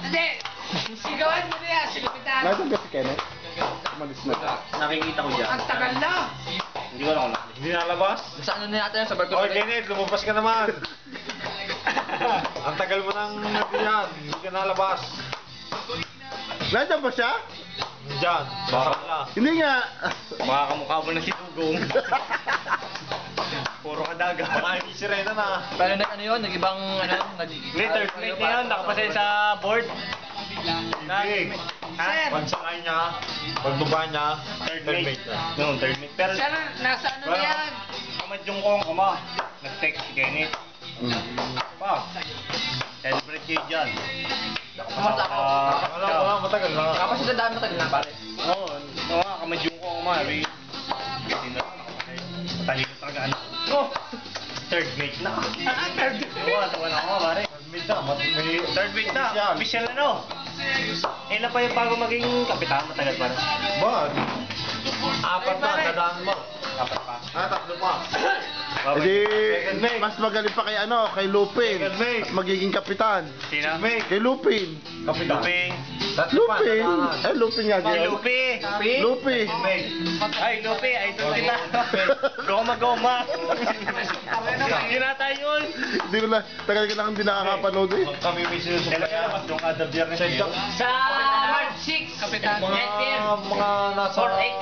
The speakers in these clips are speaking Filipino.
Hindi! Sigawan mo na yan, silipitan. Nasaan ka si Kenneth? Umalis na. Nakikita ko dyan. Ang tagal na. Hindi ko alam kung nakikita. Hindi nalabas? Sa ano na yata yan, sa barko. Oy, Kenneth, lumabas ka naman. Ang tagal mo nang nandiyan. Hindi ka nalabas. Nandiyan ba siya? Diyan, baka wala. Hindi nga. Baka kamukha mo na si Dugong. Puro kadaga. Baka hindi si Rena na. Pero ano yun, nag-ibang ano, Hindi, third plate na yun. Nakapasay sa board. Hindi. Sir. Pagsakay niya, pagbaba niya, Third third mate. mate na. Noon, third mate. Pero Sir, nasa ano na yan? kamadyong ko ang kama. Nag-text si Kenneth. Pa, celebrate kayo dyan. Kamusta ako? Wala, matagal na. Tapos sa dami matagal na pare. Oo, nga, kamadyong ko ang kama. Hindi na, nakapasay. Matalino talaga ano. Oh! Third mate na. Third Oo, tawa na ako, pare. Third mate na, Third mate na. Official na, no? Ilan pa yung bago maging kapitan? Matagal pa na. Ba? Apat na, dadaan mo. Dapat pa. Tatlo pa. Hindi, Second mate. mas magaling pa kay ano, kay Lupin. Second mate. Magiging kapitan. Sino? Kay Lupin. Kapitan. Luping. Tatlo pa, Lupin? dadaanan. Eh, Lupin nga Ay, din. Lupi! Lupi. Ay, Lupi! Idol kita! Goma-goma! Ginata yun! Hindi ko na, tagal ka lang hindi nakakapanood eh. Kami may sinusubayan. Yung kada biyernes yun. Sa March 6, Kapitan. Mga nasa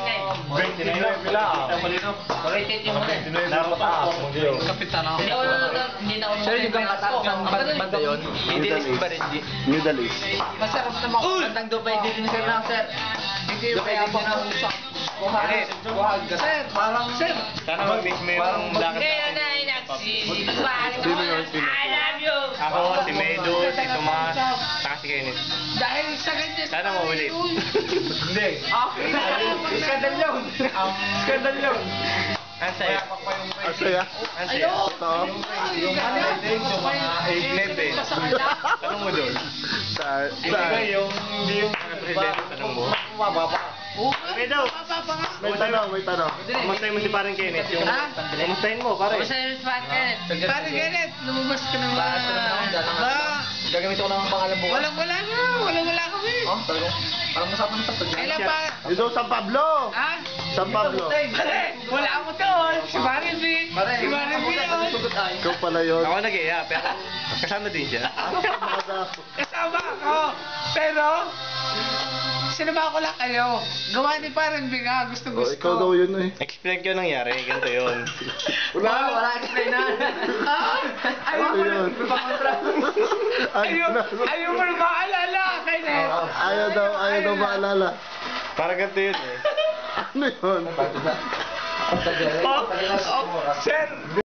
29 lang. Rotate yung muna. 29 na pataas. Kapitan ako. Hindi na ako. Sir, yung kataas ng banda yun, hindi rin ba rin? Middle East. Masarap naman ko. Bandang Dubai din sir lang sir. Hindi yung kaya pa ng usap. Kenneth, Sir, parang sir. sana mag-miss mo yung lakad Ngayon natin. ay nagsisipag. Sino yun? Sino? I love you. Ako, si Medo, si Tomas, saka si Kenneth. Dahil sa ganyan. Sana maulit. Hindi. Okay na. Skandal yun. Skandal yun. Ang saya. Ang saya. Ang saya. Ito. Yung mga dating, yung mga 8-11. Tanong mo doon. Sa... Hindi yung presidente, tanong mo. Mababa. Medo! May tanong, may tanong. Kamustahin mo si parang Kenneth. Yung... Ha? Kamustahin mo, pare. Basta yung Kenneth. Parang Kenneth, lumabas ka ng mga... Gagamit ko ng pangalan bukas. Walang-wala nga. Walang-wala kami. Oh, talaga. Parang masapan sa pag. Kailan pa? Dito, San Pablo. Ha? San Pablo. Pare, wala ako doon. Si Marin B. Si Marin B yun. Ikaw pala yun. Ako nag-iya, pero kasama din siya. Kasama ako. Pero, sinama ko lang kayo. Gawa ni Marin B nga. Gusto. Oh, ikaw daw yun eh. Explain ko yung nangyari, ganito yun. Wala explain na. Ayaw mo na. Ayaw Ayaw mo na maalala. Kenneth. ayaw daw maalala. Parang ganito yun eh. Ano yun? Sir.